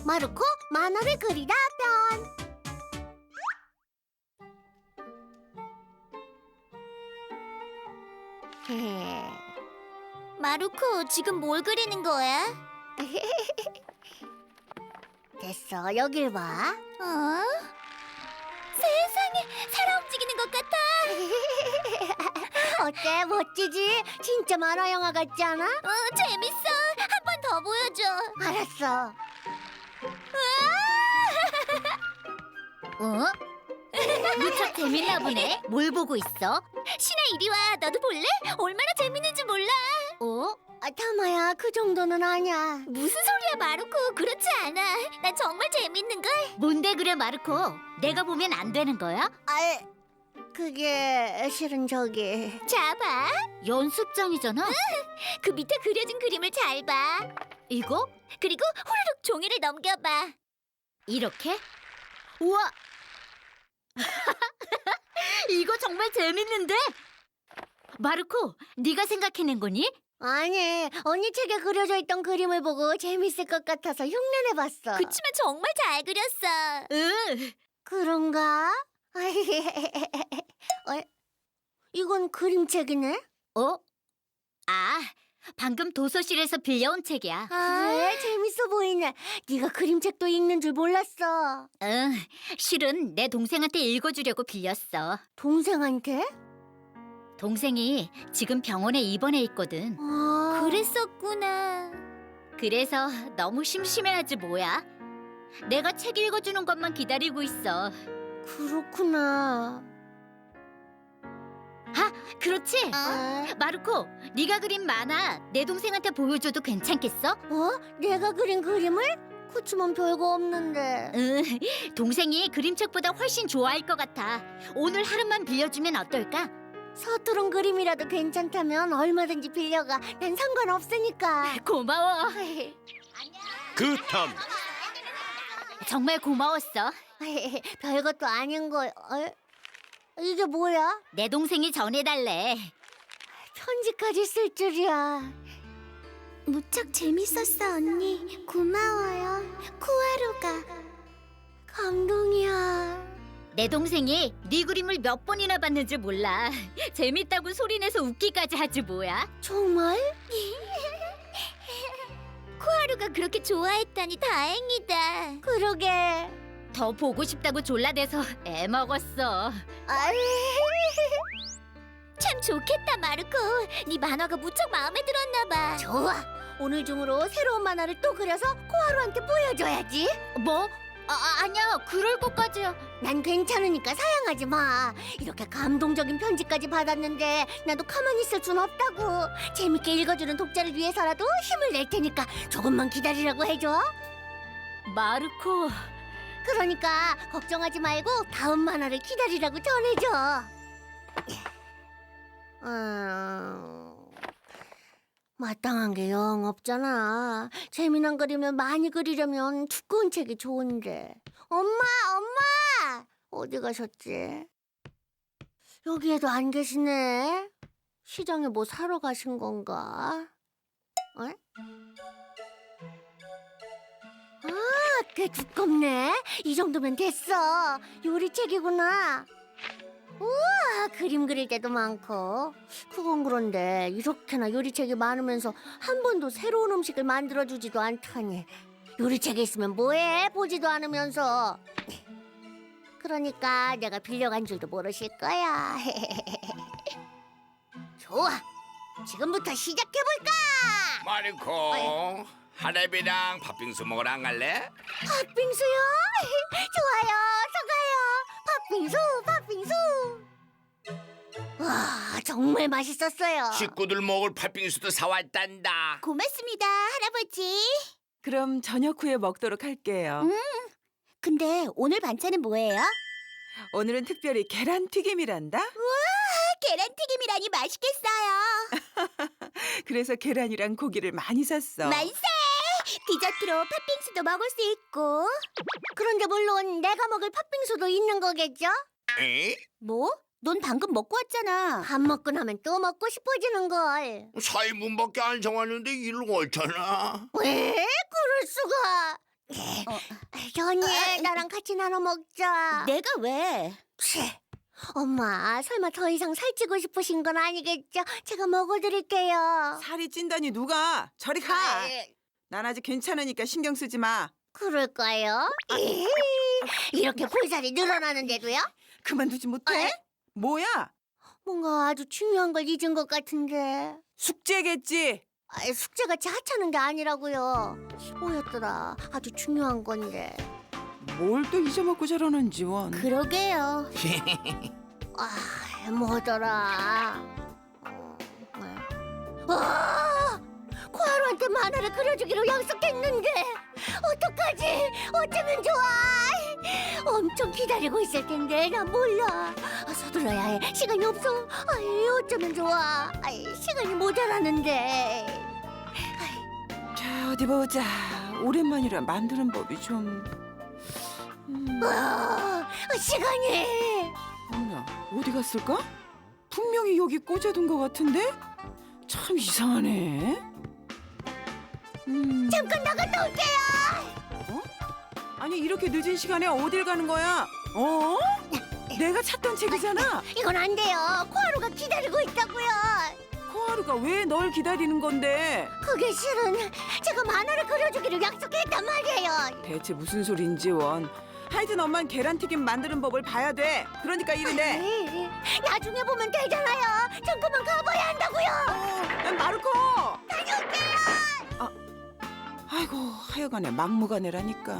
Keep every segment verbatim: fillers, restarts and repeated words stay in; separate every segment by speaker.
Speaker 1: 마르코 만화를 그리다 편.
Speaker 2: 마루코, 지금 뭘 그리는 거야?
Speaker 1: 됐어, 여길 봐.
Speaker 2: 어? 세상에, 살아 움직이는 것 같아.
Speaker 1: 어때, 멋지지? 진짜 만화 영화 같지 않아?
Speaker 2: 어, 재밌어. 한 번 더 보여줘.
Speaker 1: 알았어.
Speaker 2: 어? 무척 재밌나 보네. 뭘 보고 있어? 신아, 이리 와. 너도 볼래? 얼마나 재밌는지 몰라.
Speaker 1: 어? 아, 타마야, 그 정도는 아니야.
Speaker 2: 무슨 소리야, 마루코. 그렇지 않아. 난 정말 재밌는걸. 뭔데 그래, 마루코. 내가 보면 안 되는 거야?
Speaker 1: 아, 그게 실은 저기.
Speaker 2: 자, 봐. 연습장이잖아. 그 밑에 그려진 그림을 잘 봐. 이거? 그리고 후루룩 종이를 넘겨봐. 이렇게? 우와! 이거 정말 재밌는데? 마르코, 네가 생각해낸 거니?
Speaker 1: 아니, 언니 책에 그려져 있던 그림을 보고 재밌을 것 같아서 흉내내봤어.
Speaker 2: 그치만 정말 잘 그렸어. 응.
Speaker 1: 그런가? 어, 이건 그림책이네?
Speaker 2: 어? 아, 방금 도서실에서 빌려온 책이야.
Speaker 1: 그래, 재밌어 보이네. 네가 그림책도 읽는 줄 몰랐어.
Speaker 2: 응, 실은 내 동생한테 읽어주려고 빌렸어.
Speaker 1: 동생한테?
Speaker 2: 동생이 지금 병원에 입원해 있거든.
Speaker 1: 아,
Speaker 2: 그랬었구나. 그래서 너무 심심해하지 뭐야. 내가 책 읽어주는 것만 기다리고 있어.
Speaker 1: 그렇구나.
Speaker 2: 그렇지?
Speaker 1: 아,
Speaker 2: 마르코, 네가 그린 만화 내 동생한테 보여줘도 괜찮겠어?
Speaker 1: 어? 내가 그린 그림을? 그치만 별거 없는데.
Speaker 2: 응, 동생이 그림책보다 훨씬 좋아할 것 같아. 오늘 하루만 빌려주면 어떨까?
Speaker 1: 서투른 그림이라도 괜찮다면 얼마든지 빌려가. 난 상관없으니까.
Speaker 2: 고마워.
Speaker 3: 그 다음
Speaker 2: 정말 고마웠어.
Speaker 1: 별것도 아닌 거. 어? 이게 뭐야?
Speaker 2: 내 동생이 전해달래.
Speaker 1: 편지까지 쓸 줄이야. 무척 재밌었어, 언니. 고마워요. 쿠아루가. 감동이야.
Speaker 2: 내 동생이 네 그림을 몇 번이나 봤는지 몰라. 재밌다고 소리내서 웃기까지 하지 뭐야.
Speaker 1: 정말?
Speaker 2: 코하루가 그렇게 좋아했다니 다행이다.
Speaker 1: 그러게.
Speaker 2: 더 보고 싶다고 졸라대서 애 먹었어.
Speaker 1: 아이.
Speaker 2: 참 좋겠다, 마르코. 네 만화가 무척 마음에 들었나 봐.
Speaker 1: 좋아. 오늘 중으로 새로운 만화를 또 그려서 코하루한테 보여줘야지.
Speaker 2: 뭐? 아, 아, 아니야. 그럴 것까지야.
Speaker 1: 난 괜찮으니까 사양하지 마. 이렇게 감동적인 편지까지 받았는데 나도 가만히 있을 순 없다고. 재밌게 읽어주는 독자를 위해서라도 힘을 낼 테니까 조금만 기다리라고 해줘.
Speaker 2: 마르코.
Speaker 1: 그러니까 걱정하지 말고 다음 만화를 기다리라고 전해줘. 음... 마땅한 게 영 없잖아. 재미난 그림을 많이 그리려면 두꺼운 책이 좋은데. 엄마, 엄마! 어디 가셨지? 여기에도 안 계시네. 시장에 뭐 사러 가신 건가? 어? 아, 꽤 두껍네. 이 정도면 됐어. 요리책이구나. 우와, 그림 그릴 때도 많고. 그건 그런데 이렇게나 요리책이 많으면서 한 번도 새로운 음식을 만들어주지도 않다니. 요리책에 있으면 뭐해? 보지도 않으면서. 그러니까 내가 빌려간 줄도 모르실 거야. 좋아, 지금부터 시작해볼까?
Speaker 3: 마르코 하랩이랑 팥빙수 먹으러 안 갈래?
Speaker 1: 팥빙수요? 좋아요, 저 가요. 팥빙수, 팥빙수. 와, 정말 맛있었어요.
Speaker 3: 식구들 먹을 팥빙수도 사왔단다.
Speaker 2: 고맙습니다, 할아버지.
Speaker 4: 그럼 저녁 후에 먹도록 할게요.
Speaker 2: 근데 오늘 반찬은 뭐예요?
Speaker 4: 오늘은 특별히 계란튀김이란다.
Speaker 2: 계란튀김이라니 맛있겠어요.
Speaker 4: 그래서 계란이랑 고기를 많이 샀어.
Speaker 2: 만세! 디저트로 팥빙수도 먹을 수 있고.
Speaker 1: 그런데 물론 내가 먹을 팥빙수도 있는 거겠죠?
Speaker 3: 에?
Speaker 2: 뭐? 넌 방금 먹고 왔잖아.
Speaker 1: 밥 먹고 나면 또 먹고 싶어지는 걸.
Speaker 3: 사 인분밖에 안 정하는데 일을 옳잖아.
Speaker 1: 왜? 그럴 수가. 현이 나랑 같이 나눠 먹자.
Speaker 2: 내가 왜?
Speaker 1: 치, 엄마 설마 더 이상 살찌고 싶으신 건 아니겠죠? 제가 먹어드릴게요.
Speaker 4: 살이 찐다니 누가? 저리 가.
Speaker 1: 아이,
Speaker 4: 난 아직 괜찮으니까 신경 쓰지 마.
Speaker 1: 그럴까요? 에이, 이렇게 볼살이 늘어나는데도요?
Speaker 4: 그만두지 못해? 뭐야?
Speaker 1: 뭔가 아주 중요한 걸 잊은 것 같은데.
Speaker 4: 숙제겠지.
Speaker 1: 아이, 숙제같이 하찮은 게 아니라고요. 뭐였더라? 아주 중요한 건데.
Speaker 4: 뭘 또 잊어먹고 저러는지 원.
Speaker 2: 그러게요.
Speaker 1: 아, 뭐더라? 어, 뭐야? 아! 코하루한테 만화를 그려주기로 약속했는데 어떡하지? 어쩌면 좋아? 엄청 기다리고 있을 텐데 나 몰라. 아, 서둘러야 해. 시간이 없어. 아이, 어쩌면 좋아? 아이, 시간이 모자라는데.
Speaker 4: 자 어디 보자. 오랜만이라 만드는 법이 좀. 음,
Speaker 1: 아, 시간이.
Speaker 4: 어머나 어디 갔을까? 분명히 여기 꽂아둔 것 같은데? 참 이상하네. 음,
Speaker 1: 잠깐 나갔다 올게요.
Speaker 4: 어? 아니 이렇게 늦은 시간에 어딜 가는 거야? 어? 내가 찾던 책이잖아.
Speaker 1: 이건 안 돼요. 코하루가 기다리고 있다고요.
Speaker 4: 코하루가 왜 널 기다리는 건데?
Speaker 1: 그게 실은 제가 만화를 그려주기로 약속했단 말이에요.
Speaker 4: 대체 무슨 소린지 원. 하여튼 엄만 계란튀김 만드는 법을 봐야 돼. 그러니까 이른데.
Speaker 1: 에이, 나중에 보면 되잖아요. 전 그만 가봐야 한다고요.
Speaker 4: 어, 마르코.
Speaker 1: 다녀올게요.
Speaker 4: 아이고 하여간에 막무가내라니까.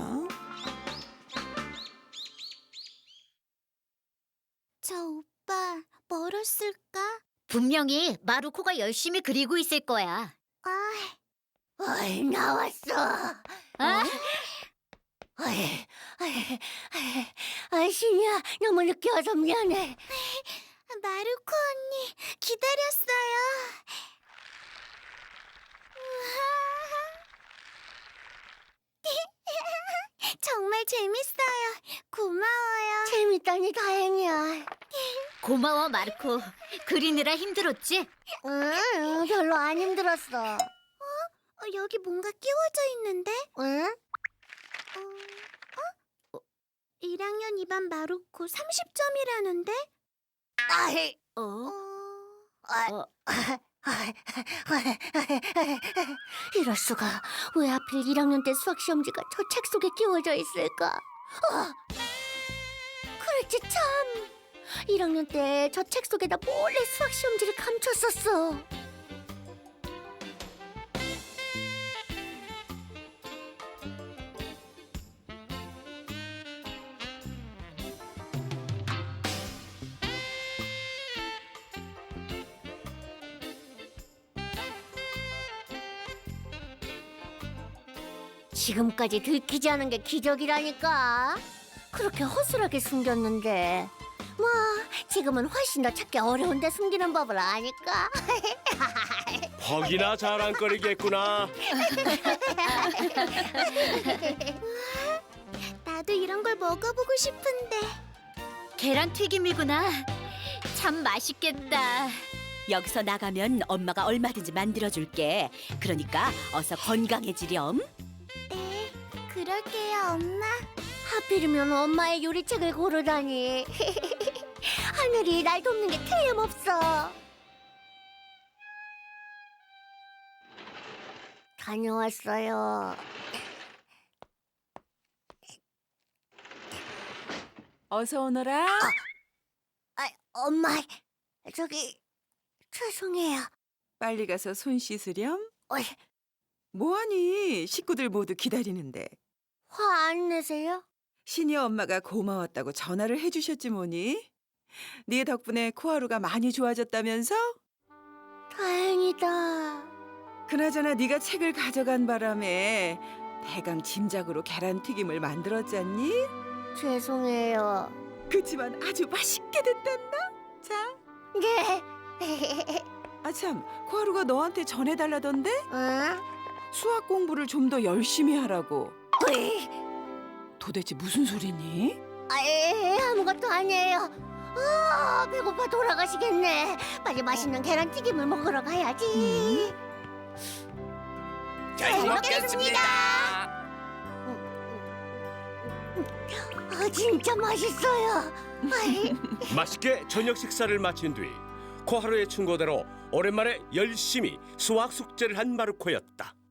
Speaker 2: 저 오빠 멀었을까? 분명히 마루코가 열심히 그리고 있을 거야.
Speaker 1: 어이, 나왔어.
Speaker 2: 아?
Speaker 1: 어이, 어이, 어이, 어이, 신이야, 너무 늦게 와서 미안해.
Speaker 2: 마루코 언니 기다렸어요. 정말 재밌어요. 고마워요.
Speaker 1: 재밌다니 다행이야.
Speaker 2: 고마워 마르코. 그리느라 힘들었지?
Speaker 1: 응, 별로 안 힘들었어.
Speaker 2: 여기 뭔가 끼워져 있는데?
Speaker 1: 응?
Speaker 2: 일 학년 이 반 마루코 삼십 점이라는데?
Speaker 1: 아이,
Speaker 2: 어?
Speaker 1: 아,
Speaker 2: 어.
Speaker 1: 이럴 수가. 왜 하필 일 학년 때 수학 시험지가 저 책 속에 끼워져 있을까? 어, 그랬지 참. 일 학년 때 저 책 속에다 몰래 수학 시험지를 감췄었어. 지금까지 들키지 않은 게 기적이라니까. 그렇게 허술하게 숨겼는데 뭐 지금은 훨씬 더 찾기 어려운데 숨기는 법을 아니까.
Speaker 5: 퍽이나 자랑거리겠구나.
Speaker 2: 나도 이런 걸 먹어보고 싶은데. 계란 튀김이구나. 참 맛있겠다.
Speaker 6: 여기서 나가면 엄마가 얼마든지 만들어줄게. 그러니까 어서 건강해지렴.
Speaker 2: 네, 그럴게요, 엄마.
Speaker 1: 하필이면 엄마의 요리책을 고르다니. 하늘이 날 돕는 게 틀림없어. 다녀왔어요.
Speaker 4: 어서 오너라.
Speaker 1: 아, 엄마, 저기 죄송해요.
Speaker 4: 빨리 가서 손 씻으렴.
Speaker 1: 어이,
Speaker 4: 뭐하니? 식구들 모두 기다리는데.
Speaker 1: 화 안 내세요?
Speaker 4: 신이 엄마가 고마웠다고 전화를 해주셨지 뭐니? 네 덕분에 코하루가 많이 좋아졌다면서?
Speaker 1: 다행이다.
Speaker 4: 그나저나 네가 책을 가져간 바람에 대강 짐작으로 계란튀김을 만들었잖니?
Speaker 1: 죄송해요.
Speaker 4: 그치만 아주 맛있게 됐단다. 자,
Speaker 1: 네.
Speaker 4: 아참 코하루가 너한테 전해달라던데?
Speaker 1: 응?
Speaker 4: 수학 공부를 좀 더 열심히 하라고.
Speaker 1: 으이,
Speaker 4: 도대체 무슨 소리니?
Speaker 1: 아, 에, 아무것도 아니에요. 아, 배고파 돌아가시겠네. 빨리 맛있는 계란튀김을 먹으러 가야지.
Speaker 3: 잘 먹겠습니다.
Speaker 1: 진짜 맛있어요. 아이,
Speaker 5: 맛있게 저녁 식사를 마친 뒤 코하루의 충고대로 오랜만에 열심히 수학 숙제를 한 마르코였다.